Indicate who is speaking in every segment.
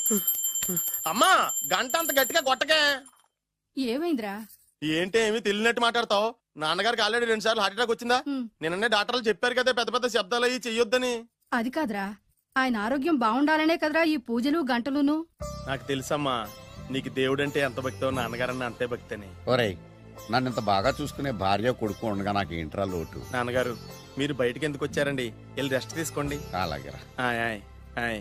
Speaker 1: అమ్మా గంట అంత గట్టిగా కొట్టకే.
Speaker 2: ఏమైందిరా?
Speaker 1: ఏంటి ఏమి తెలియనట్టు మాట్లాడతావు? నాన్నగారికి ఆల్రెడీ 2 సార్లు హార్ట్ అటాక్ వచ్చిందా? నిన్ననే డాక్టర్లు చెప్పారు కదా పెద్ద పెద్ద శబ్దాలు అయ్యి చెయ్యొద్దని.
Speaker 2: అది కాదురా, ఆయన ఆరోగ్యం బాగుండాలనే కదరా ఈ పూజలు గంటలును.
Speaker 1: నాకు తెలుసమ్మా, నీకు దేవుడంటే ఎంత భక్తో నాన్నగారన్న అంతే భక్తి అని.
Speaker 3: ఒరేయ్, నన్ను ఇంత బాగా చూసుకునే భార్య కొడుకు ఉండగా నాకు ఏంట్రా లోటు?
Speaker 1: నాన్నగారు మీరు బయటికి ఎందుకు వచ్చారండి? వెళ్ళి రెస్ట్ తీసుకోండి.
Speaker 3: అలాగేరా.
Speaker 1: ఆయ్ ఆయ్ ఆయ్.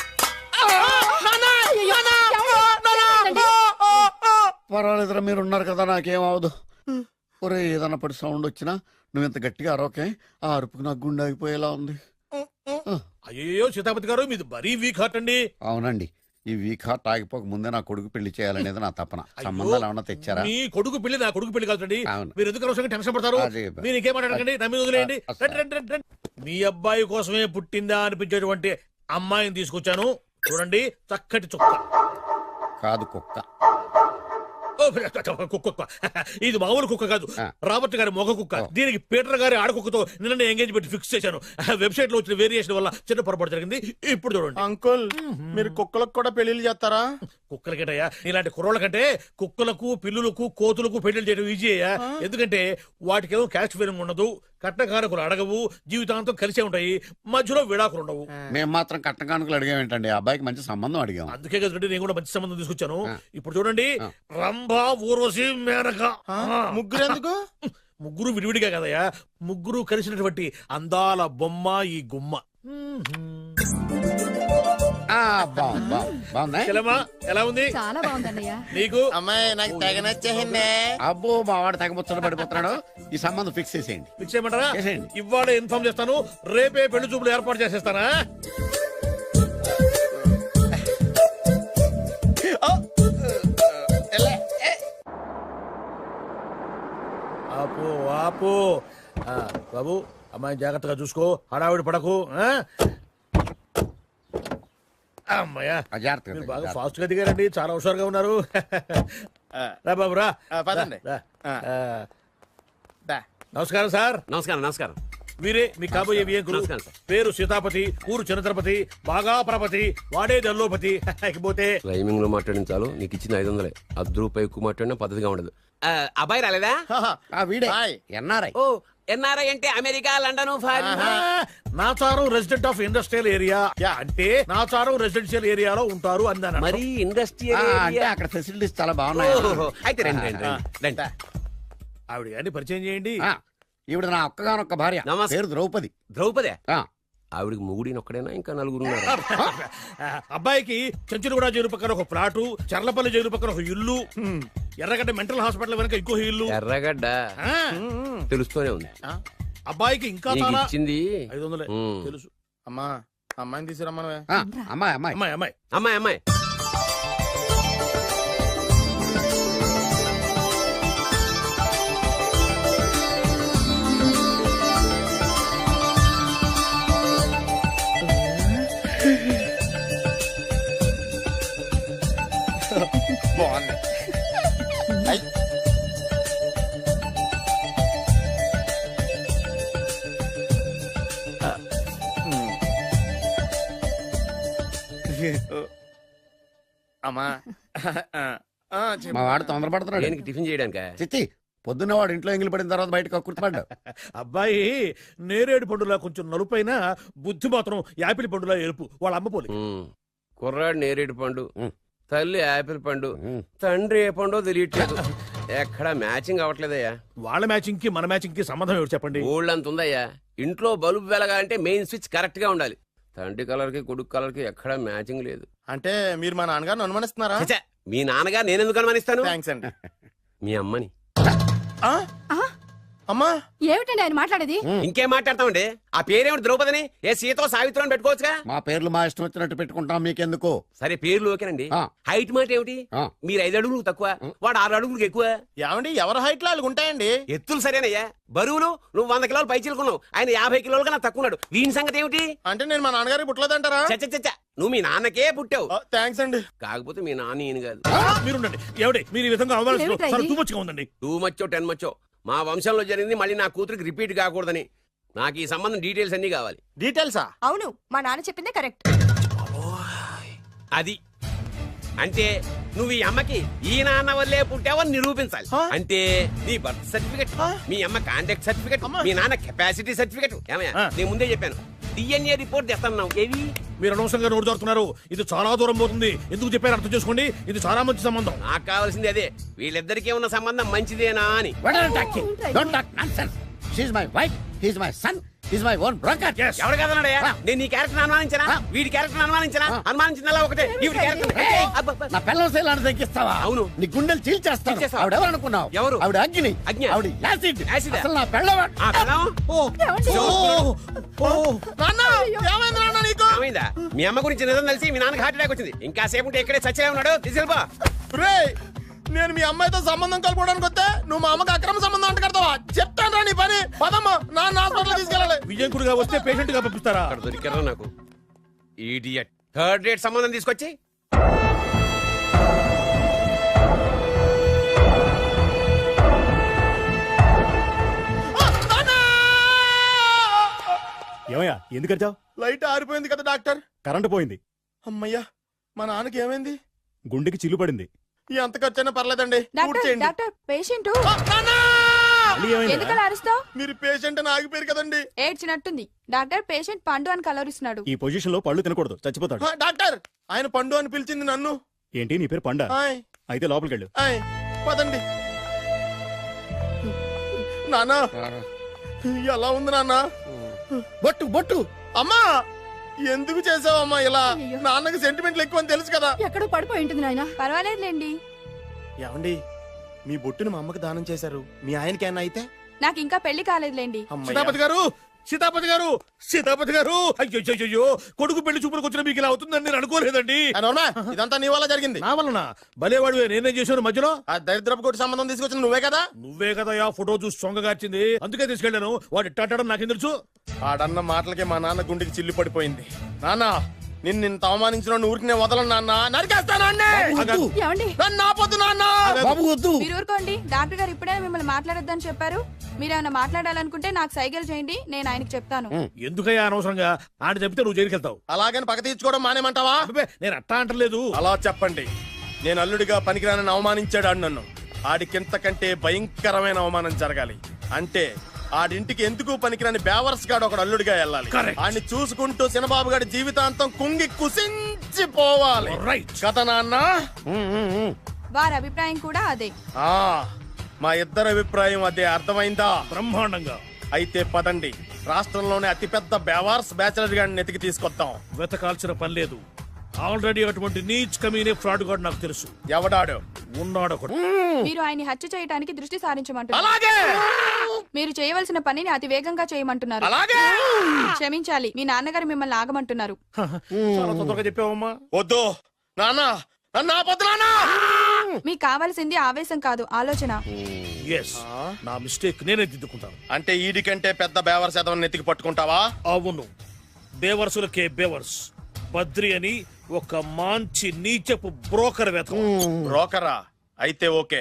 Speaker 3: పర్వాలేదురా, మీరు ఉన్నారు కదా, నాకేం అవదు. ఒరే, ఏదన్నా పడి సౌండ్ వచ్చినా నువ్వు ఇంత గట్టిగా అరవకే. ఆ అరుపుకు నాకు గుండె ఆగిపోయేలా ఉంది.
Speaker 4: అయ్యో సీతాపతి గారు, మీది మరీ వీక్ హార్ట్ అండి.
Speaker 3: అవునండి, ఈ వీక్ హార్ట్ ఆగిపోక ముందే నా కొడుకు పెళ్లి చేయాలనేది నా తపన. సంబంధాలు ఏమన్నా తెచ్చారా?
Speaker 4: మీ కొడుకు పెళ్లి నా కొడుకు పెళ్లి కాదండి.
Speaker 3: అవును.
Speaker 4: మీరు ఎందుకు అవసరంగా టెన్షన్ పడతారు? మీరు ఇంకేం మాట్లాడకండి, నా మీద వదిలేయండి. రండి. మీ అబ్బాయి కోసమే పుట్టిందా అనిపించేటువంటి అమ్మాయిని తీసుకొచ్చాను. చూడండి, చక్కటి చుక్క.
Speaker 3: కాదు, కుక్క.
Speaker 4: కుక్క. ఇది మామూలు కుక్క కాదు, రాబర్ట్ గారి మొగ కుక్క. దీనికి పీటర్ గారి ఆడకుక్కతో నిన్న ఎంగేజ్మెంట్ ఫిక్స్ చేశాను. వెబ్సైట్ లో వచ్చిన వేరియేషన్ వల్ల చిన్న పొరపాటు జరిగింది. ఇప్పుడు చూడండి.
Speaker 1: అంకుల్, మీరు కుక్కలకు కూడా పెళ్లిళ్ళు చేస్తారా?
Speaker 4: కుక్కలకేటయ్యా, ఇలాంటి కుర్రోళ్ళ కంటే కుక్కలకు, పిల్లులకు, కోతులకు పెళ్లిళ్ళు చేయడం ఈజీ అయ్యా. ఎందుకంటే వాటికేమో క్యాస్ట్ ఫీలింగ్ ఉండదు, కట్నకానుకలు అడగవు, జీవితాంతం కలిసే ఉంటాయి, మధ్యలో విడాకులు ఉండవు.
Speaker 3: మేము మాత్రం కట్నకానుకలు అడిగామేంటండి? అబ్బాయికి మంచి సంబంధం అడిగాం.
Speaker 4: అందుకే కదండి నేను కూడా మంచి సంబంధం తీసుకొచ్చాను. ఇప్పుడు చూడండి, రంభా, ఊర్వశి, మేనక.
Speaker 1: ముగ్గురు ఎందుకు?
Speaker 4: ముగ్గురు విడివిడిగా కదయ్యా, ముగ్గురు కలిసినటువంటి అందాల బొమ్మ ఈ గుమ్మ. ఎలా ఉంది?
Speaker 2: చాలా బాగుందన్నయ్య.
Speaker 4: నీకు?
Speaker 1: అమ్మాయి నాకు తెగ నచ్చేసిందే.
Speaker 3: అబ్బో, మా వాడు తెగబుచ్చట పడిపోతున్నాడు. ఈ సంబంధం ఫిక్స్ చేసేయండి.
Speaker 4: ఫిక్స్ చేయమంటారా?
Speaker 3: చేసేయండి.
Speaker 4: ఇవాళ ఇన్ఫార్మ్ చేస్తాను, రేపే పెళ్లి చూపులు ఏర్పాటు చేసేస్తానా? ఆపు ఆపు. బాబు, అమ్మాయి జాగ్రత్తగా చూసుకో, హడావిడి పడకు. అమ్మాయ్యా, మీరు బాగా ఫాస్ట్ గా దిగారండి, చాలా హుషారుగా ఉన్నారు. రా బాబు రా.
Speaker 1: పదండి.
Speaker 4: నమస్కారం సార్.
Speaker 5: నమస్కారం.
Speaker 4: వీరే మీ కాబోయే వియంకులు. పేరు సీతాపతి, ఊరు చంద్రపతి, బాగా ప్రపతి, వాడే దల్లోపతి. పోతే
Speaker 5: రైమింగ్ లో మాట్లాడించాలు, నీకు ఇచ్చిన 500. ₹10 ఎక్కువ మాట్లాడినా పద్ధతిగా ఉండదు. అబ్బాయి రాలేదా?
Speaker 3: వీడే ఎన్ఆర్ఐ.
Speaker 5: ఓ, ఎన్ఆర్ఐ అంటే America, London,
Speaker 4: Nacharam resident of industrial area. అంటే నాచారం రెసిడెన్షియల్ ఏరియాలో ఉంటారు అందాను.
Speaker 5: మరి ఇండస్ట్రియల్
Speaker 3: అంటే అక్కడ ఫెసిలిటీస్ చాలా బాగున్నాయి.
Speaker 5: అయితే రండి.
Speaker 4: ఆవిడ గారిని పరిచయం చేయండి.
Speaker 3: ఈవిడ నా ఒక్కగానొక్క భార్య, పేరు ద్రౌపది.
Speaker 5: ద్రౌపదే? ఆవిడికి మొగుడిని ఒక్కడైనా ఇంకా 4 ఉన్నారు.
Speaker 4: అబ్బాయికి చెంచులగూడ జైలు పక్కన ఒక ప్లాటు, చర్లపల్లి జైలు పక్కన ఒక ఇల్లు, ఎర్రగడ్డ మెంటల్ హాస్పిటల్ వెనక ఇంకో ఇల్లు.
Speaker 5: ఎర్రగడ్డ తెలుస్తూనే ఉంది.
Speaker 4: అబ్బాయికి ఇంకా చాలా
Speaker 5: ఇచ్చింది
Speaker 4: 500 తెలుసు.
Speaker 1: అమ్మా, అమ్మాయిని తీసుకురమ్మా.
Speaker 5: అమ్మాయి
Speaker 1: బాగుంది. అమ్మా,
Speaker 3: మా వాడు తొందరపడుతున్నాడు
Speaker 5: టిఫిన్ చేయడానిక.
Speaker 3: చిచ్చి, పొద్దున్న వాడు ఇంట్లో ఎంగిలి పడిన తర్వాత బయటకు కుర్తుపడ్డాడు.
Speaker 4: అబ్బాయి నేరేడు పండులా కొంచెం నలుపైన, బుద్ధి మాత్రం యాపిల్ పండులా ఎరుపు. వాళ్ళ అమ్మ పోలి.
Speaker 5: కుర్రాడు నేరేడు పండు, తల్లి యాపిల్ పండు, తండ్రి ఏ పండో తెలియట్లేదు. ఎక్కడ మ్యాచింగ్ అవ్వట్లేదయ్యా.
Speaker 4: వాళ్ళ మ్యాచింగ్ కి మన మ్యాచింగ్ కి సంబంధం ఏమిటి చెప్పండి?
Speaker 5: ఊళ్ళంత ఉందయ్యా. ఇంట్లో బల్బు వెలగాలంటే మెయిన్ స్విచ్ కరెక్ట్ గా ఉండాలి. తండ్రి కలర్ కి కొడుకు కలర్ కి ఎక్కడ మ్యాచింగ్ లేదు.
Speaker 1: అంటే మీరు మా నాన్నగారిని అనుమానిస్తున్నారా?
Speaker 5: మీ నాన్నగారు నేనెందుకు అనుమానిస్తాను?
Speaker 1: థాంక్స్ అండి.
Speaker 5: మీ అమ్మని.
Speaker 1: అమ్మా,
Speaker 2: ఏమిటండి ఆయన మాట్లాడేది?
Speaker 5: ఇంకేం మాట్లాడతామండి? ఆ పేరేమిటి ద్రౌపదిని? ఏ సీతో సావిత్రి అని పెట్టుకోవచ్చుగా.
Speaker 3: మా పేర్లు మా ఇష్టం వచ్చినట్టు పెట్టుకుంటాం, మీకెందుకు?
Speaker 5: సరే, పేర్లు ఓకేనండి. హైట్ మాట ఏమిటి? మీరు 5 అడుగులు తక్కువ, వాడు 6 అడుగులకు ఎక్కువ.
Speaker 1: ఏమండి, ఎవరి హైట్ లో వాళ్ళకి ఉంటాయండి.
Speaker 5: ఎత్తులు సరేనయ్యా. బరువులు నువ్వు 100 కిలోలు పై చిలుకున్నావు, ఆయన 50 కిలోలుగా నాకు తక్కువ ఉన్నాడు. వీని సంగతి ఏమిటి?
Speaker 1: అంటే నేను మా నాన్నగారికి పుట్టలేదంటారా?
Speaker 5: చచ్చ, నువ్వు మీ నాన్నకే పుట్టావు.
Speaker 1: థాంక్స్ అండి.
Speaker 5: కాకపోతే మీ నాన్న ఈయన కాదు.
Speaker 4: మీరుండండి. ఏమిటి మీరు ఈ విధంగా అవమానిస్తున్నారు? టూ మచ్గా ఉందండి.
Speaker 5: 2 మచ్చో 10 మచ్చో మా వంశంలో జరిగింది మళ్ళీ నా కూతురికి రిపీట్ కాకూడదని నాకు ఈ సంబంధం డీటెయిల్స్ అన్ని కావాలి.
Speaker 1: డీటెయిల్సా?
Speaker 6: అవును, మా నాన్న చెప్పిందే కరెక్ట్.
Speaker 5: అది అంటే నువ్వు ఈ అమ్మకి ఈ నాన్న వల్లే పుట్టావని నిరూపించాలి. అంటే నీ బర్త్ సర్టిఫికెట్, మీ అమ్మ కాంటాక్ట్ సర్టిఫికెట్, మీ నాన్న కెపాసిటీ సర్టిఫికెట్. ఏమయ్యా నేను ముందే చెప్పాను DNA రిపోర్ట్ తెస్తాను. ఏవి
Speaker 4: మీరు అనవసరంగా నోరు జారుతున్నారు. ఇది చాలా దూరం పోతుంది. ఎందుకు చెప్పారు అర్థం చేసుకోండి. ఇది చాలా మంచి సంబంధం.
Speaker 5: నాకు కావాల్సింది అదే, వీళ్ళిద్దరికీ ఉన్న సంబంధం మంచిదేనా అని.
Speaker 3: What are you talking? Don't talk nonsense. She's my wife. He's my son. He's my own brother.
Speaker 4: Yes.
Speaker 5: ఎవరు కదన్నాడయ్యా? నేను నీ క్యారెక్టర్ అనుమానించనా, వీడి క్యారెక్టర్ అనుమానించనా? అనుమానించిందల్లా ఒకటే. వీడి క్యారెక్టర్
Speaker 3: నా పిల్లల శైలాన్ని తగ్గిస్తావా?
Speaker 5: అవును.
Speaker 3: నీ గుండెలు చీల్చేస్తాను.
Speaker 5: చీల్చేస్తావా?
Speaker 3: ఆవిడ ఎవరు అనుకున్నావు?
Speaker 5: ఎవరు?
Speaker 3: ఆవిడ అగ్ని.
Speaker 5: అగ్ని.
Speaker 3: ఆవిడ యాసిడ్.
Speaker 5: యాసిడా?
Speaker 3: అసలు నా పిల్లవాడు.
Speaker 5: ఆ పిల్లం? ఏమైందా? మీ అమ్మ గురించి నిజం తెలిసి మీ నాన్నకి హార్ట్ అటాక్ వచ్చింది. ఇంకా సేపు ఉంటే ఇక్కడే చచ్చే ఉన్నాడు. తీసుకెళ్ళిపో.
Speaker 1: రేయ్, నేను మీ అమ్మాయితో సంబంధం కలుపుకోవడానికి వస్తే నువ్వు మా అమ్మకి అక్రమ సంబంధం అంట కడతావా? చెప్తాను నీ పని. పదమ్మా, నాన్న హాస్పిటల్ తీసుకెళ్ళాలి.
Speaker 4: విజయంకుడిగా వస్తే పేషెంట్ గా పంపిస్తారా?
Speaker 5: అక్కడ దొరికారా నాకు ఈడియట్. థర్డ్ రేట్ సంబంధం తీసుకొచ్చి
Speaker 6: ఏమయ్యా ఎందుకు వచ్చావు?
Speaker 1: లైట్ ఆరిపోయింది కదా డాక్టర్.
Speaker 6: కరెంటు పోయింది.
Speaker 1: అమ్మయ్యా, మా నాన్నకి ఏమైంది?
Speaker 6: గుండెకి చిల్లు పడింది.
Speaker 1: ఎంత ఖర్చైనా పర్లేదండి. పూర్తి చేయండి.
Speaker 2: డాక్టర్ పేషెంట్
Speaker 1: ఆ, నాన్న!
Speaker 6: మళ్ళీ ఏమైంది?
Speaker 2: ఎందుకలా అరుస్తావు?
Speaker 1: మీరు పేషెంట్ అని ఆగిపోయారు కదండి.
Speaker 2: ఏడ్చినట్టుంది. డాక్టర్ పేషెంట్ పండు అని కలవరిస్తున్నాడు.
Speaker 6: ఈ పొజిషన్ లో పళ్ళు తినకూడదు, చచ్చిపోతాడు.
Speaker 1: ఆ, డాక్టర్, ఆయన పండు అని పిలిచింది నన్ను.
Speaker 6: ఏంటి నీ పేరు పండ?
Speaker 1: ఆయ్,
Speaker 6: అయితే లోపలికి వెళ్ళు.
Speaker 1: ఆయ్, పదండి. నాన్న, ఎలా ఉంది నాన్న?
Speaker 3: బొట్టు బొట్టు.
Speaker 1: అమ్మా, ఎందుకు చేసావమ్మా ఇలా?
Speaker 2: అయ్యో.
Speaker 1: నాన్నకి సెంటిమెంట్లు ఎక్కువ అని తెలుసు కదా.
Speaker 2: ఎక్కడో పడిపోయి ఉంటుంది నాయన. పర్వాలేదులేండి.
Speaker 1: ఏమండి, మీ బొట్టుని మా అమ్మకి దానం చేశారు. మీ ఆయనకి ఏమన్నా అయితే?
Speaker 2: నాకు ఇంకా పెళ్లి కాలేదులేండి.
Speaker 1: అమ్మయ్య.
Speaker 4: సీతాపతి గారు, సీతాపతి గారు, సీతాపతి గారు. అయ్యో, కొడుకు పెళ్లి చూపులకు వచ్చిన మీకు ఇలా అవుతుందని నేను అనుకోలేదండి.
Speaker 1: ఆ, నోర్మా, ఇదంతా నీ వల్ల జరిగింది.
Speaker 4: నా వలన భలేవాడు. నేనేం చేశాను మధ్యలో?
Speaker 1: ఆ దరిద్రపు కొట్టి సంబంధం తీసుకొచ్చిన నువ్వే కదా.
Speaker 4: నువ్వే కదా ఫోటో చూసి సొంగగార్చింది. అందుకే తీసుకెళ్ళాను. వాడు ఇట్టాడడం నాకేం తెలుసు?
Speaker 1: ఆడన్న మాటలకే మా నాన్న గుండెకి చిల్లు పడిపోయింది. నాన్న, నిన్ను అవమానించిన ఊరికి నేను వదలను నాన్న. నరికేస్తాను అన్నే.
Speaker 2: ఏమండి?
Speaker 1: నన్ను ఆపొద్దు నాన్న.
Speaker 3: బాబు వద్దు.
Speaker 2: మీరు ఊరుకోండి. డాక్టర్ గారు ఇప్పుడే మిమ్మల్ని మాట్లాడొద్దని చెప్పారు. మీరేమైనా మాట్లాడాలనుకుంటే నాకు సైగలు చేయండి, నేను ఆయనకి చెప్తాను.
Speaker 4: ఎందుకయ్యా అనవసరంగా? ఆయన చెప్తే నువ్వు జైలుకి వెళ్తావు.
Speaker 1: అలాగని పక్క తీర్చుకోవడం మానేమంటావా?
Speaker 4: అబ్బే, నేను అట్టా అంటలేదు.
Speaker 1: అలా చెప్పండి. నేను అల్లుడిగా పనికిరానని అవమానించాడు ఆడు నన్ను. ఆడికింతకంటే భయంకరమైన అవమానం జరగాలి. అంటే ఆడింటికి ఎందుకు పనికిరాని బేవర్స్ గాడు ఒకడు అల్లుడిగా వెళ్ళాలి.
Speaker 4: Correct.
Speaker 1: ఆడిని చూసుకుంటూ చిన్నబాబు గారి జీవితాంతం కుంగి కుసించిపోవాలి.
Speaker 4: Right.
Speaker 1: కదా నాన్న?
Speaker 2: వారి అభిప్రాయం కూడా అదే.
Speaker 1: ఆ, మా ఇద్దరి అభిప్రాయం అదే. అర్థమైందా?
Speaker 4: బ్రహ్మాండంగా.
Speaker 1: అయితే పదండి, రాష్ట్రంలోనే అతిపెద్ద బేవార్స్ బ్యాచిలర్ గాడిని ఎతికి తీసుకొద్దాం.
Speaker 4: వెతకాల్సిన పని లేదు. ఆల్రెడీ అటువంటి నీచ్ కమీనే ఫ్రాడ్ గాడు నాకు తెలుసు.
Speaker 1: ఎవడాడు?
Speaker 4: ఉన్నాడు ఒకడు.
Speaker 2: మీరు ఆయన్ని హత్య చేయడానికి దృష్టి సారించమంటున్నారు.
Speaker 1: అలాగే
Speaker 2: మీరు చేయవలసిన పనిని అతి వేగంగా చేయమంటున్నారు.
Speaker 1: అలాగే.
Speaker 2: క్షమించాలి, మీ నాన్నగారు మిమ్మల్ని ఆగమంటున్నారు.
Speaker 4: చాలా తొందరగా చెప్పావమ్మా.
Speaker 1: వద్దు నాన్న, నన్ను ఆపొద్దు నాన్న.
Speaker 2: మీకు కావాల్సింది ఆవేశం కాదు, ఆలోచన.
Speaker 4: ఎస్, నా మిస్టేక్ నేనే దిద్దుకుంటాను.
Speaker 1: అంటే ఈడి కంటే పెద్ద బేవర్స్ ఎదవని ఎతికి పట్టుకుంటావా?
Speaker 4: అవును, బేవర్సులకే బేవర్స్. బద్రి అని ఒక మంచి నీచపు బ్రోకర్ వెతకం.
Speaker 1: బ్రోకరా? అయితే ఓకే.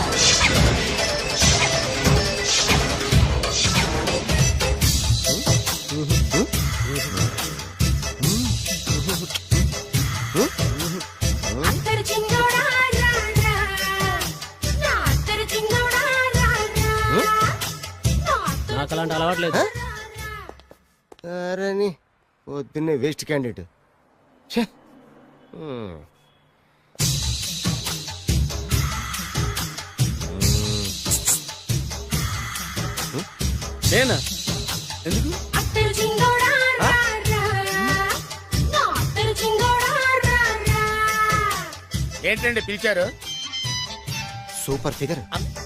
Speaker 7: నాకు అలాంటి అలవాట్లేదు.
Speaker 8: అరే పొద్దున్నే వేస్ట్ క్యాండిడేట్.
Speaker 7: నేనా? ఎందుకు?
Speaker 1: ఏంటండి పిలిచారు?
Speaker 8: Super figure.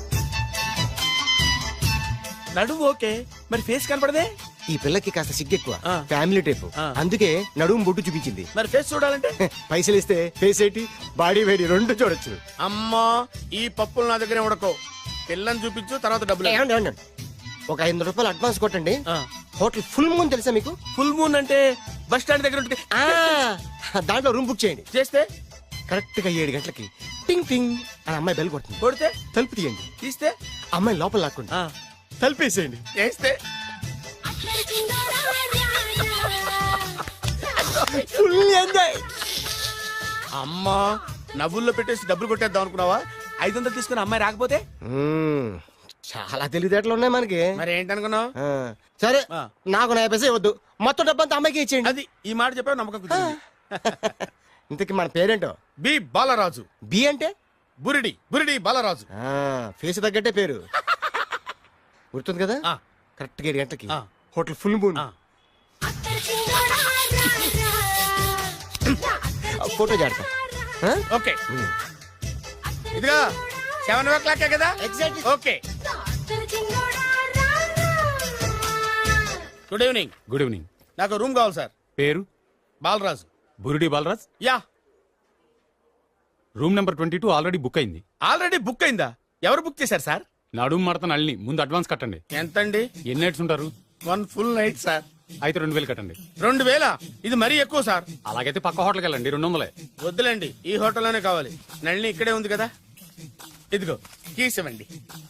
Speaker 7: నడుము ఓకే, మరి ఫేస్ కనపడదే.
Speaker 8: ఈ పిల్లకి కాస్త సిగ్గెక్కువ, ఫ్యామిలీ టైప్. అందుకే నడుము బొట్టు చూపించింది.
Speaker 7: మరి ఫేస్ చూడాలంటే
Speaker 8: పైసలు ఇస్తే ఫేస్ ఏంటి, బాడీ వేడి రెండు చూడొచ్చు.
Speaker 1: అమ్మా, ఈ పప్పులు నా దగ్గరే ఉడకో. పిల్లని చూపించు, తర్వాత డబ్బులు.
Speaker 8: ఏమండి, ఏమండి, ఒక 500 రూపాయలు అడ్వాన్స్ కొట్టండి. హోటల్ ఫుల్ మూన్ తెలుసా మీకు?
Speaker 7: ఫుల్ మూన్ అంటే బస్ స్టాండ్ దగ్గర ఉంటుంది.
Speaker 8: దాంట్లో రూమ్ బుక్ చేయండి.
Speaker 7: చేస్తే
Speaker 8: కరెక్ట్ గా 7 గంటలకి టింగ్ టింగ్ అని అమ్మాయి బెల్ కొడుతుంది.
Speaker 7: కొడితే
Speaker 8: తలుపు తీయండి.
Speaker 7: తీస్తే
Speaker 8: అమ్మాయి లోపల లాక్కోండి. తలుపేసేయండి.
Speaker 1: చేస్తే
Speaker 8: ఫుల్ ఎంజాయ్.
Speaker 1: అమ్మా,
Speaker 7: నవ్వుల్లో పెట్టేసి డబ్బులు కొట్టేద్దాం అనుకున్నావా? 500 తీసుకుని అమ్మాయి రాకపోతే
Speaker 8: మ్మ్. చాలా తెలివితేటలు ఉన్నాయి మనకి.
Speaker 7: మరి ఏంటనుకున్నావు?
Speaker 8: ఆ, సరే
Speaker 7: ఆ.
Speaker 8: నాకు 50 పైసలు ఇవ్వద్దు, మొత్తం డబ్బంతా అమ్మాయికి ఇచ్చేయండి.
Speaker 7: అది ఈ మాట చెప్పావు, నమ్మకం కుదిరింది.
Speaker 8: ఇంతకి మన పేరేంటో?
Speaker 1: బి బాలరాజు.
Speaker 8: బి అంటే
Speaker 1: బురిడి బురిడి బాలరాజు.
Speaker 8: ఫేస్ తగ్గట్టే పేరు. గుర్తుంది కదా?
Speaker 7: ఆ.
Speaker 8: కరెక్ట్ గా 7 గంటలకి
Speaker 7: ఆ.
Speaker 8: Hotel full moon.
Speaker 7: ఆ.
Speaker 8: ఫోటో చేడతా.
Speaker 7: ఓకే, ఇదిగా 7 o'clock కదా?
Speaker 8: Exactly.
Speaker 7: Okay. Good evening.
Speaker 6: Good evening.
Speaker 7: నాకు రూమ్ కావాలి సార్.
Speaker 6: పేరు?
Speaker 7: Balaraju.
Speaker 6: Burudi Balaraj.
Speaker 7: Yeah.
Speaker 6: Room number 22 already book అయింది.
Speaker 7: ఆల్రెడీ బుక్ అయిందా? ఎవరు బుక్ చేశారు సార్?
Speaker 6: నడుము మడత నల్లి. ముందు అడ్వాన్స్ కట్టండి.
Speaker 7: ఎంతండి?
Speaker 6: ఎన్ని నైట్స్ ఉంటారు?
Speaker 7: 1 full night సార్.
Speaker 6: అయితే 2000 కట్టండి.
Speaker 7: 2000? ఇది మరీ ఎక్కువ సార్.
Speaker 6: అలాగైతే పక్క హోటల్కి వెళ్ళండి, 200.
Speaker 7: వద్దులేండి, ఈ హోటల్లోనే కావాలి. నళిని ఇక్కడే ఉంది కదా, ఇదిగో కీస్ ఇవ్వండి.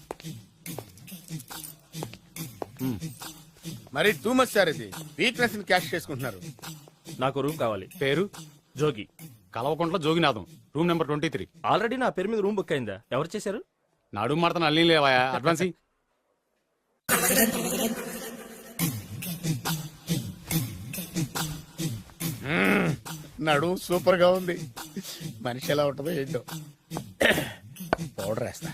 Speaker 7: మరి టూ మచ్ సార్, ఇది వీక్నెస్ ని క్యాష్ చేసుకుంటున్నారు.
Speaker 9: నాకు రూమ్ కావాలి.
Speaker 6: పేరు?
Speaker 9: Jogi.
Speaker 6: Kalavakuntla Joginatham. Room number 23.
Speaker 9: Already నా పేరు మీద రూమ్ బుక్ అయిందా? ఎవరు చేశారు?
Speaker 6: నడుము మడత నల్లి లేవా? అడ్వాన్స్ ఇయ్యి.
Speaker 7: నడు సూపర్ గా ఉంది. మనిషి ఎలా ఉంటుందో ఏంటో. పౌడర్ వేస్తా.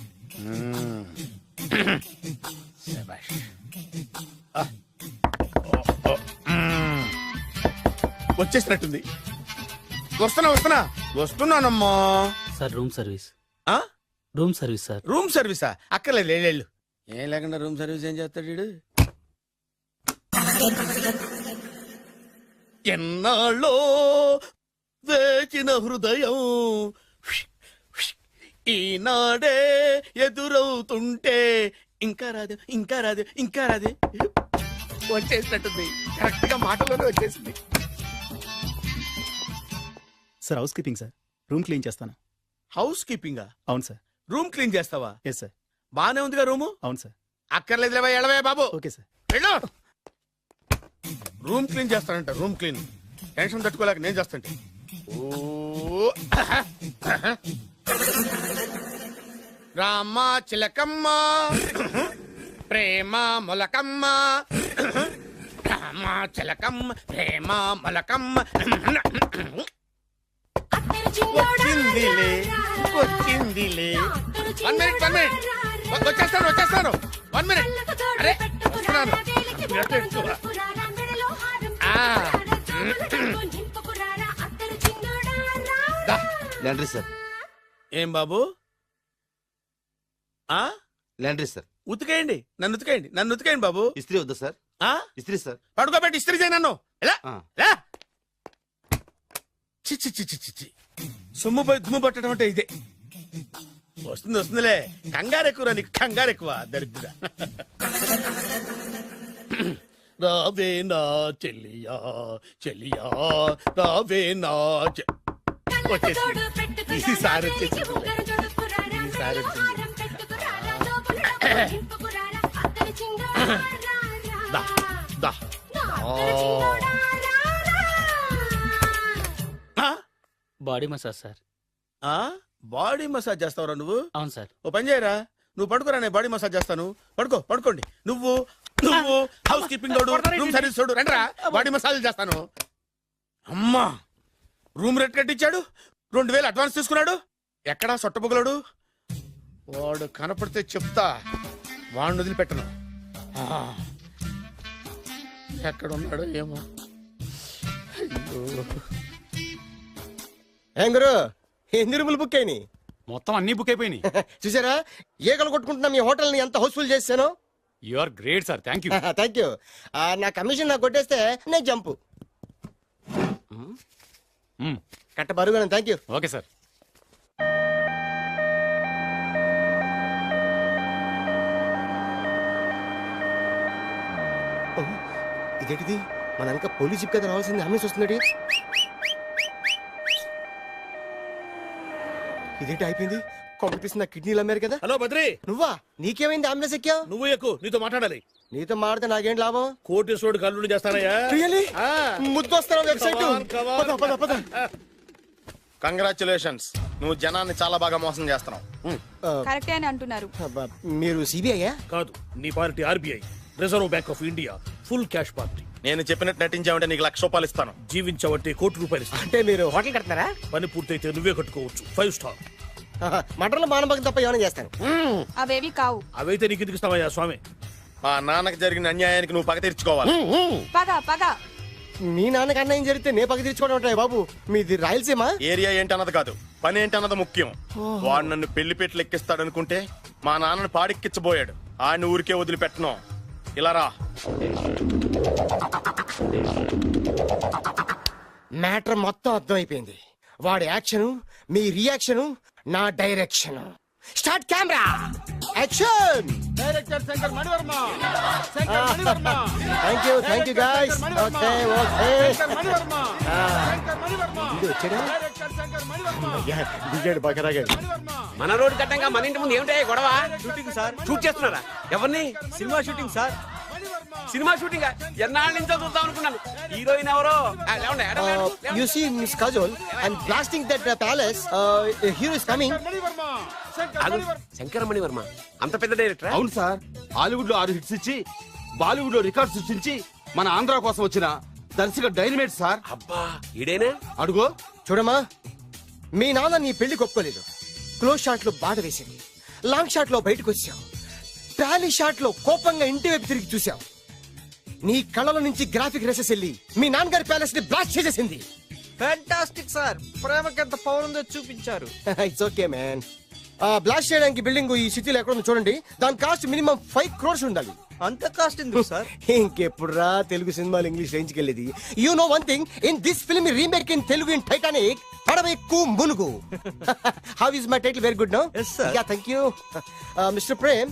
Speaker 7: శభాష్. వచ్చేసినట్టుంది. వస్తున్నానమ్మా.
Speaker 9: Sir room service.
Speaker 7: ఆ?
Speaker 9: Room service sir.
Speaker 7: రూమ్ సర్వీసా? అక్కర్లేదు, లేళ్ళు. ఏం లేకుండా రూమ్ సర్వీస్ ఏం చేస్తాడు వీడు?
Speaker 1: ఎన్నాళ్ళో వేచిన హృదయం ఈనాడే ఎదురవుతుంటే ఇంకా రాదు, ఇంకా రాదు, ఇంకా రాదు.
Speaker 7: వచ్చేసినట్టుంది. కరెక్ట్ గా మాటలోనే వచ్చేసింది.
Speaker 6: Sir housekeeping sir. Room clean చేస్తాను.
Speaker 7: హౌస్ కీపింగా?
Speaker 6: అవును సార్.
Speaker 7: రూమ్ క్లీన్ చేస్తావా?
Speaker 6: Yes sir.
Speaker 7: బానే ఉందిగా రూము.
Speaker 6: అవును సార్.
Speaker 7: అక్కర్లేదు, ఎడవే బాబు.
Speaker 6: Okay sir.
Speaker 7: వెళ్ళు. రూమ్ క్లీన్ చేస్తానంట. Room clean. టెన్షన్ తట్టుకోలేక నేను చేస్తాంటే. ఓ రామ చిలకమ్మ ప్రేమ మొలకమ్మ, రామ చిలకమ్మ ప్రేమ మొలకమ్మ. వచ్చిందిలే వచ్చిందిలే. 1 minute. వచ్చేస్తాను. 1 minute. అరే వస్తున్నాను.
Speaker 8: Laundry sir.
Speaker 7: ఏం బాబు? ఆ
Speaker 8: లాండ్రీ సార్.
Speaker 7: ఉతికేయండి, నన్ను ఉతికేయండి బాబు.
Speaker 8: ఇస్త్రీ వద్దా సార్?
Speaker 7: ఆ
Speaker 8: ఇస్త్రీ సార్.
Speaker 7: పడుకోబెట్టి ఇస్త్రీ చేయి నన్ను. ఎలా ఎలా? చి చి చి చి చి చి. సొమ్ము పోయి దుమ్ము పట్టడం అంటే ఇదే. వస్తుందిలే. కంగారు ఎక్కువ, నీకు కంగారు ఎక్కువ. దరిద్ర. రావే నా చెల్లియా చెల్లియా, రావే నా వచ్చేసి ఈసారి వచ్చేసి దా దా.
Speaker 9: Body massage sir.
Speaker 7: Body massage చేస్తావురా నువ్వు?
Speaker 9: అవును సార్.
Speaker 7: ఓ పని చేయరా, నువ్వు పడుకోరా, నేను బాడీ మసాజ్ చేస్తాను. పడుకోండి. నువ్వు హౌస్ కీపింగ్ తోడు, రూమ్ సర్వీస్ తోడు, రండిరా బాడీ మసాజ్ చేస్తాను. అమ్మా, రూమ్ రేట్ కట్టించాడు, 2000 అడ్వాన్స్ తీసుకున్నాడు. ఎక్కడా సొట్టబుగలడు? వాడు కనపడితే చెప్తా, వాడిని వదిలిపెట్టను. ఎక్కడున్నాడో ఏమో.
Speaker 8: ఏం గురు, ఎన్ని రూములు బుక్ అయినాయి?
Speaker 6: మొత్తం అన్ని బుక్ అయిపోయినాయి.
Speaker 8: చూసారా ఈగలు కొట్టుకుంటున్నా మీ హోటల్ ని ఎంత హౌస్ఫుల్ చేశాను.
Speaker 6: You are great sir. Thank you.
Speaker 8: Thank you. నా కమిషన్ నాకు కొట్టేస్తే నేను జంపు కట్ట బరుగాను. Thank you.
Speaker 6: Okay sir.
Speaker 8: ఇదేంటిది, మన వెనక పోలీస్ జిప్ కదా రావాల్సింది, అంబులెన్స్ వస్తుంది. ఇదేంటి అయిపోయింది? కాంపిటీషన్ నా కిడ్నీలు అమ్మారు కదా.
Speaker 7: హలో బద్రి,
Speaker 8: నువ్వా? నీకేమైంది? అంబులెన్స్ ఎక్కావు?
Speaker 7: నువ్వు ఎక్కువ, నీతో మాట్లాడాలి.
Speaker 8: నీతో మాడితే నాకేం లాభం?
Speaker 7: కోటేశ్వరుడు కల్లుడు చేస్తానయ్యా.
Speaker 8: రియల్లీ? ముద్దు వస్తాను వెబ్సైట్.
Speaker 7: Come on.
Speaker 8: పద.
Speaker 1: కంగ్రాచులేషన్స్, నువ్వు జనాన్ని చాలా బాగా మోసం చేస్తున్నావు.
Speaker 2: కరెక్టే అని అంటున్నారు.
Speaker 8: మీరు సిబిఐయా?
Speaker 4: కాదు, నీ party RBI, reserve bank of India, full cash party.
Speaker 1: నేను చెప్పినట్టు నటించావంటే నీకు ₹1,00,000 ఇస్తాను.
Speaker 4: జీవించవంటే ₹1,00,00,000 ఇస్తాను.
Speaker 8: అంటే మీరు హోటల్ కడతారా?
Speaker 4: పని పూర్తయితే నువ్వే కట్టుకోవచ్చు, 5 స్టార్.
Speaker 8: మటన్లో మానభంగం తప్ప ఏమైనా చేస్తాను.
Speaker 2: అవేవి కావు.
Speaker 4: అవైతే నీకు ఎందుకు ఇస్తావయ్యా స్వామి?
Speaker 1: మా నాన్నకి జరిగిన అన్యాయానికి నువ్వు పగ తీర్చుకోవాలి.
Speaker 2: పగ పగ.
Speaker 8: మీ నాన్నకి అన్యాయం జరిగితే నే పక్క తీర్చుకోవడం ఉంటాయి బాబు. మీది రాయలసీమ.
Speaker 1: ఏరియా ఏంటన్నది కాదు, పని ఏంటన్నది ముఖ్యం. వాడు నన్ను పెళ్లి పెట్లు ఎక్కిస్తాడనుకుంటే మా నాన్నను పాడెక్కించబోయాడు. ఆయన ఊరికే వదిలిపెట్టను. ఇలా రా.
Speaker 8: మ్యాటర్ మొత్తం అర్థమైపోయింది. వాడి యాక్షన్, మీ రియాక్షన్, నా direction. Start camera, action.
Speaker 7: Director Shankar Manivarma. Shankar Manivarma.
Speaker 8: Thank you guys. Okay okay.
Speaker 7: Shankar Manivarma. Shankar Manivarma.
Speaker 8: ఇది వచ్చాడా?
Speaker 7: డైరెక్టర్ శంకర్ మణివర్మ.
Speaker 8: దిగాడు బాగా రాగాడు.
Speaker 5: మన రోడ్డు కట్టంగా మన ఇంటి ముందు ఏమిటాయి గొడవ?
Speaker 9: Shooting sir.
Speaker 5: షూట్ చేస్తున్నారా? ఎవరిని?
Speaker 9: Cinema shooting sir.
Speaker 5: Cinema shooting ఎన్నాళ్ళ నుంచో చూద్దాం అనుకున్నాను. హీరోయిన్ ఎవరో? లేవండి, ఎక్కడ లేవండి?
Speaker 8: You see Miss Kajol, I'm blasting that palace. A hero is coming.
Speaker 7: Mani Varma. Shankar
Speaker 5: ఆగు.
Speaker 7: మణివర్మ.
Speaker 5: శంకర మణివర్మ అంత పెద్ద డైరెక్టర్?
Speaker 10: అవును సార్, హాలీవుడ్ లో 6 హిట్స్ ఇచ్చి బాలీవుడ్ లో రికార్డ్ సృష్టించి మన ఆంధ్ర కోసం వచ్చిన దర్శక డైనమేట్ సార్.
Speaker 5: అబ్బా, ఈడేనా?
Speaker 10: అడుగో.
Speaker 8: చూడమ్మా, మీ నాన్న నీ పెళ్లి ఒప్పుకోలేదు. క్లోజ్ షాట్ లో బాధ వేసింది, లాంగ్ షాట్ లో బయటకు వచ్చావు, టాలీ షాట్ లో కోపంగా ఇంటి వైపు తిరిగి చూసావు. నీ కళ్ళలో నుంచి గ్రాఫిక్ రెసెస్ వెళ్ళి మీ నాన్నగారి ప్యాలెస్ ని బ్లాస్ట్ చేసేసింది.
Speaker 9: Fantastic sir. ప్రేమకి ఎంత పవర్ ఉందో చూపించారు.
Speaker 8: It's okay man. బ్లాస్ట్ చేయడానికి బిల్డింగ్ ఈ సిటీలో ఎక్కడ ఉందో చూడండి. దాని కాస్ట్ మినిమం 5 crores ఉండాలి.
Speaker 9: అంత కాస్ట్ ఎందుకు సార్?
Speaker 8: ఇంకెప్పుడు రా తెలుగు సినిమాలు ఇంగ్లీష్ రేంజ్కి వెళ్ళేది. You know one thing, in this film remake in Telugu in Titanic, పడవెక్కు మునుగు. How is my title? Very good no.
Speaker 9: Yes, sir.
Speaker 8: Yeah, thank you. Mister Prem,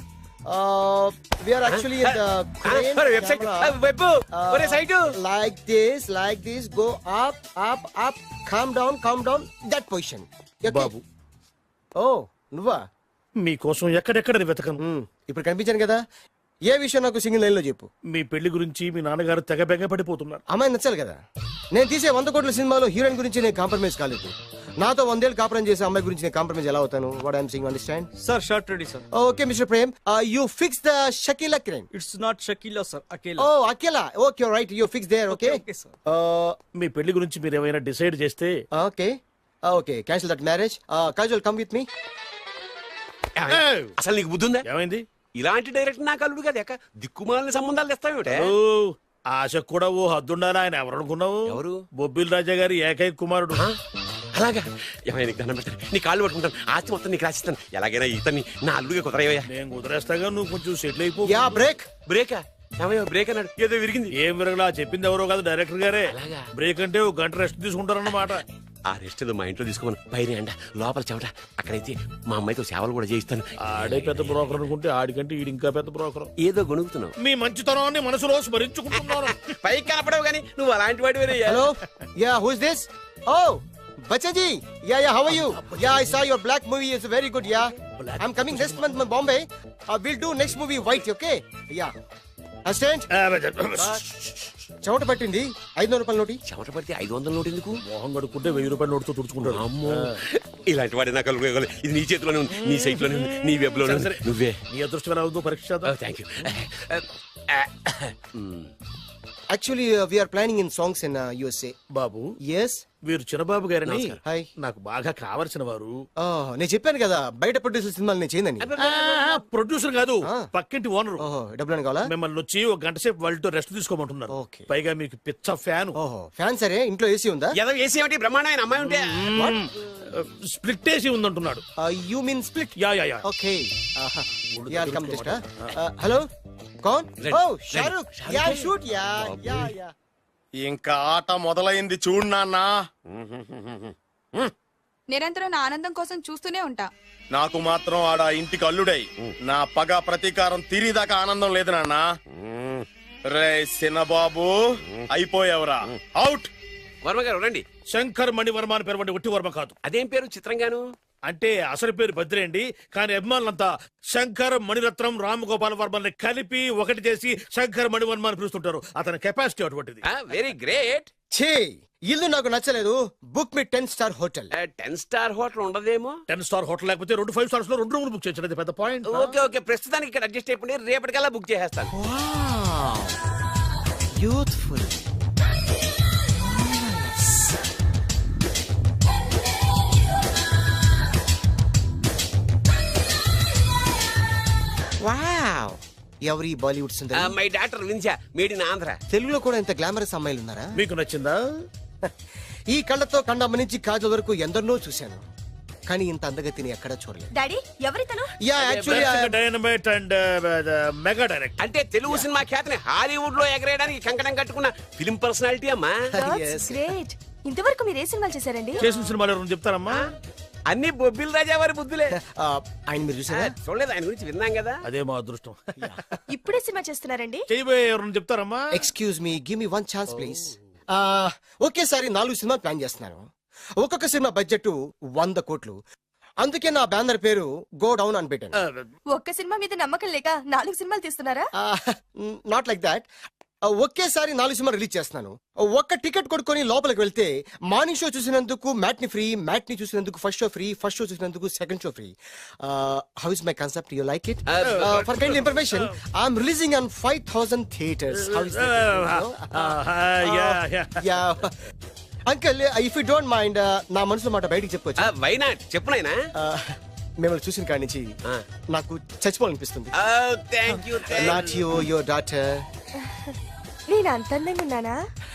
Speaker 8: we are actually in the crane
Speaker 5: website
Speaker 8: camera.
Speaker 5: Web ఒరే site
Speaker 8: like this, go up, calm down, that position. Okay?
Speaker 4: బాబు,
Speaker 8: Oh, నువ్వా?
Speaker 4: మీకోసం ఎక్కడెక్కడ వెతకను.
Speaker 8: ఇప్పుడు కనిపించాను కదా. ఏ విషయం నాకు single line లో చెప్పు.
Speaker 4: మీ పెళ్లి గురించి మీ నాన్నగారు తెగ బెంగ పడిపోతున్నారు.
Speaker 8: అమ్మాయి నచ్చాలి కదా. నేను తీసే 100 కోట్ల సినిమాలో హీరోయిన్ గురించి నేను కాంప్రమైజ్ కాలేదు. నాతో 100 ఏళ్ళు కాపురం చేసే అమ్మాయి గురించి నేను కాంప్రమైజ్ ఎలా అవుతాను? What I'm saying, understand?
Speaker 9: Sir shot ready sir.
Speaker 8: Okay mister Prem, you fix the Shakeela crime.
Speaker 9: It's not Shakeela sir, Akela.
Speaker 8: Oh Akela. Okay right, you fix there. Okay
Speaker 9: Okay, sir.
Speaker 4: మీ పెళ్లి గురించి మీరు ఏమైనా డిసైడ్ చేస్తే
Speaker 8: okay cancel that marriage. Kajal come with me.
Speaker 5: అసలు నీకు బుద్ధి ఉందా?
Speaker 4: ఏమైంది?
Speaker 5: ఇలాంటి డైరెక్టర్ నాకు అల్లుడు కదా, ఎక్క దిక్కుమాలిన సంబంధాలు తెస్తావేమిటే?
Speaker 4: ఓ, ఆశకు కూడా ఓ హద్దుండాలి. ఆయన ఎవరు అనుకున్నావు?
Speaker 5: ఎవరు?
Speaker 4: బొబ్బిల్ రాజా గారి ఏకైక కుమారుడు.
Speaker 5: అలాగా? ఏమైనా నీకు దండం పెడతాను, నీ కాళ్ళు పట్టుకుంటాను, ఆస్తి మొత్తం నీకు రాసిస్తాను. ఎలాగైనా ఇతన్ని నా అల్లుడిగా కుదరయ్యా.
Speaker 4: నేను కుదిరేస్తాగా, నువ్వు కొంచెం సెటిల్ అయిపో.
Speaker 8: Yeah break.
Speaker 5: బ్రేకా? ఏమయ్యా బ్రేక్ అన్నాడు, ఏదో విరిగింది.
Speaker 4: ఏం విరగలా, చెప్పింది ఎవరో కాదు, డైరెక్టర్ గారే.
Speaker 5: అలాగా?
Speaker 4: బ్రేక్ అంటే ఒక గంట రెస్ట్ తీసుకుంటారన్నమాట.
Speaker 5: ఆ రెస్ట్ ఏదో మా ఇంట్లో తీసుకోమను. పైన అండ, లోపల చెమట. అక్కడైతే మా అమ్మాయితో సేవలు కూడా చేయిస్తాను.
Speaker 4: ఆడే పెద్ద బ్రోకర్ అనుకుంటే ఆడికంటే ఈడు ఇంకా పెద్ద బ్రోకర్.
Speaker 5: ఏదో గొణుగుతున్నావు.
Speaker 4: మీ మంచితనాన్ని మనసులో స్మరించుకుంటున్నాను.
Speaker 5: పైకి కనపడవు కానీ నువ్వు అలాంటి వాడి.
Speaker 8: Hello, yeah who is this? Oh Bachchan ji, yeah how are you? Yeah I saw your Black movie is very good. Yeah I am coming next month Bombay. Will do next movie white. Okay yeah. Assistant, చెమట పట్టింది. 500 రూపాయల నోటి.
Speaker 5: చెమట పడితే 500 note ఎందుకు?
Speaker 4: మోహం కడుక్కుంటే 1000 రూపాయల నోటుతో తుడుచుకుంటాడు.
Speaker 5: అమ్మో, ఇలాంటి వాడి నాకు అల్లుడు. ఇది నీ చేతిలోనే ఉంది, నీ సైట్ లోనే ఉంది, నీ వెబ్ లోనే ఉంది. నువ్వే.
Speaker 4: నీ అదృష్టం ఎలా ఉందో పరీక్ష చేద్దాం.
Speaker 5: Thank you.
Speaker 8: Actually we are planning in songs in USA.
Speaker 4: బాబు,
Speaker 8: yes.
Speaker 4: వీరు చిన్నబాబు గారిని
Speaker 8: హాయ్.
Speaker 4: నాకు బాగా కావలసిన వారు.
Speaker 8: నేను చెప్పాను కదా బయట ప్రొడ్యూసర్ సినిమాలు నేను చేయదని.
Speaker 4: ప్రొడ్యూసర్ కాదు, పక్కింటి ఓనరు.
Speaker 8: ఓహో, డబ్బులు కావాలా?
Speaker 4: మిమ్మల్ని వచ్చి ఒక గంట సేపు వాళ్ళతో రెస్ట్ తీసుకోమంటున్నారు.
Speaker 8: Okay.
Speaker 4: పైగా మీకు పిచ్చ ఫ్యాన్.
Speaker 8: ఓహో, ఫ్యాన్ సరే. ఇంట్లో ఏసీ ఉందా?
Speaker 5: ఏదో ఏసీ ఏమిటి, బ్రహ్మాండమైన అమ్మాయి ఉంటే.
Speaker 4: స్ప్లిట్ ఏసీ ఉందంటున్నాడు.
Speaker 8: You mean split?
Speaker 4: Yeah yeah yeah.
Speaker 8: Okay, yeah come just. Hello, కౌన్? Oh Shahrukh. Yeah shoot. Yeah yeah yeah.
Speaker 1: ఇంకా ఆట మొదలైంది చూడు నాన్న.
Speaker 2: నిరంతరం నా ఆనందం కోసం చూస్తూనే ఉంటా.
Speaker 1: నాకు మాత్రం ఆడ ఇంటికి అల్లుడై నా పగ ప్రతీకారం తీరిదాకా ఆనందం లేదు నాన్న. రే సినబాబు, అయిపోయావురా, అవుట్.
Speaker 5: వర్మ గారు రండి.
Speaker 4: శంకర్ మణివర్మ అని పేరు, ఒట్టి వర్మ కాదు.
Speaker 5: అదేం పేరు చిత్రంగాను?
Speaker 4: అంటే అసలు పేరు బద్రేండి, కానీ అభిమానులంతా శంకర్ మణిరత్నం రామగోపాల్ వర్మని కలిపి ఒకటి చేసి శంకర్ మణివర్మ అని పిలుస్తుంటారు. అతని కెపాసిటీ అటువంటిది.
Speaker 5: Very great.
Speaker 8: ఛీ, ఇల్లు నాకు నచ్చలేదు. Book me 10-star hotel.
Speaker 5: 10 star hotel ఉండదేమో.
Speaker 4: 10 స్టార్ హోటల్ లేకపోతే 2 5 స్టార్స్ లో 2 రూములు బుక్ చేయొచ్చు. అది పెద్ద పాయింట్.
Speaker 5: ఓకే ఓకే, ప్రస్తుతానికి ఇక్కడ అడ్జస్ట్ అయిపోయి రేపటికల్లా బుక్ చేసేస్తాను.
Speaker 8: బ్యూటిఫుల్. వావ్, ఎవరి బాలీవుడ్ సుందరి?
Speaker 5: మై డాక్టర్ విన్సా, మేడ్ ఇన్ ఆంధ్ర.
Speaker 8: తెలుగులో కూడా ఇంత గ్లామరస్ అమ్మాయిలు ఉన్నారా?
Speaker 4: మీకు నచ్చిందా?
Speaker 8: ఈ కళ్ళతో కండమ్మ నుంచి కాజల్ వరకు ఎందరినో చూశాను, కానీ ఇంత అందగతిని ఎక్కడా చూడలేదు.
Speaker 2: డాడీ ఎవరితను?
Speaker 8: Yeah actually
Speaker 4: dynamite and mega direct.
Speaker 5: అంటే తెలుగు సినిమా ఖ్యాతిని హాలీవుడ్ లో ఎగరేయడానికి కంకణం కట్టుకున్న ఫిలిం పర్సనాలిటీ అమ్మా.
Speaker 2: గ్రేట్. ఇంతవరకు మీరు ఏ సినిమాలు చేశారండి?
Speaker 4: చేసిన సినిమాలు ఎవరు చెప్తారమ్మా?
Speaker 5: అన్ని బొబ్బిల్ రాజా వారి బుద్ధులే.
Speaker 8: ఆయన మీరు చూసారా?
Speaker 5: చూడలేదు, ఆయన గురించి విన్నాం కదా.
Speaker 4: అదే మా అదృష్టం.
Speaker 2: ఇప్పుడే సినిమా చేస్తున్నారండి?
Speaker 4: చేయబోయే ఎవరు చెప్తారమ్మా?
Speaker 8: Excuse me, give me 1 chance please. ఒకేసారి 4 సినిమాలు ప్లాన్ చేస్తున్నాను. ఒక్కొక్క సినిమా బడ్జెట్ 100 కోట్లు. అందుకే నా బ్యానర్ పేరు గో డౌన్ అని పెట్టాను.
Speaker 2: ఒక్క సినిమా మీద నమ్మకం లేక 4 సినిమాలు తీస్తున్నారా?
Speaker 8: Not like that. ఒకేసారి 4 సినిమా రిలీజ్ చేస్తున్నాను. ఒక్క టికెట్ కొనుక్కొని లోపలికి వెళ్తే మార్నింగ్ షో చూసినందుకు మ్యాట్ని ఫ్రీ, మ్యాట్ని చూసినందుకు first show free, first show చూసినందుకు second show free. How is my concept? You like it? For kind information, I'm releasing on 5000 theatres. How is uncle, if you don't mind, నా మనసులో మాట బయటికి చెప్పొచ్చు?
Speaker 5: Why not, చెప్పు నాయనా.
Speaker 8: మిమ్మల్ని చూసిన కాడి నుంచి నాకు చచ్చిపోవాలనిపిస్తుంది.
Speaker 5: Thank you.
Speaker 8: Not you, your daughter.
Speaker 2: నేను అంత అందంగా ఉన్నానా?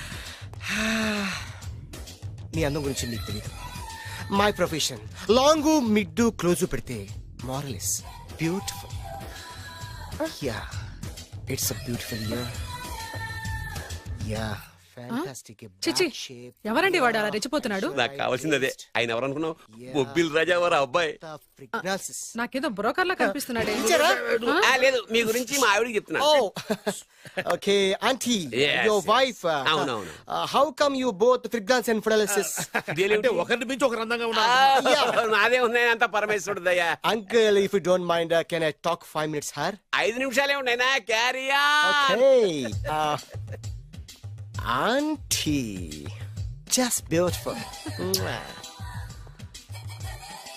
Speaker 8: నీ అందం గురించి నీకు తెలియదు. My profession long mid close పెడితే moral is beautiful. Yeah, it's a beautiful year. Yeah, fantastic.
Speaker 11: చిచి, ఎవరండి వాడు అలా రెచ్చిపోతున్నాడు?
Speaker 5: నాకు కావాల్సింది అదే. ఆయన ఎవరు అనుకున్నావు? బొబ్బిల్ రాజా వారు అబ్బాయి.
Speaker 11: నాకేదో బ్రోకర్ లా కనిపిస్తున్నాడే.
Speaker 5: లేదు, మీ గురించి మా ఆవిడకి చెప్తున్నా.
Speaker 8: Okay aunty,
Speaker 5: Yes,
Speaker 8: your
Speaker 5: yes.
Speaker 8: Wife.
Speaker 5: అవునవును.
Speaker 8: How come you both fragrance and fidelities?
Speaker 4: అంటే ఒకరిని మించి ఒకరు అందంగా ఉన్నారు.
Speaker 5: నాదే ఉన్నాయి అంత పరమేశ్వరుడు దయ్యా.
Speaker 8: Uncle, if you don't mind, can I talk 5 minutes her?
Speaker 5: 5 నిమిషాలే ఉన్నాయినా, క్యారియా.
Speaker 8: Auntie, just beautiful.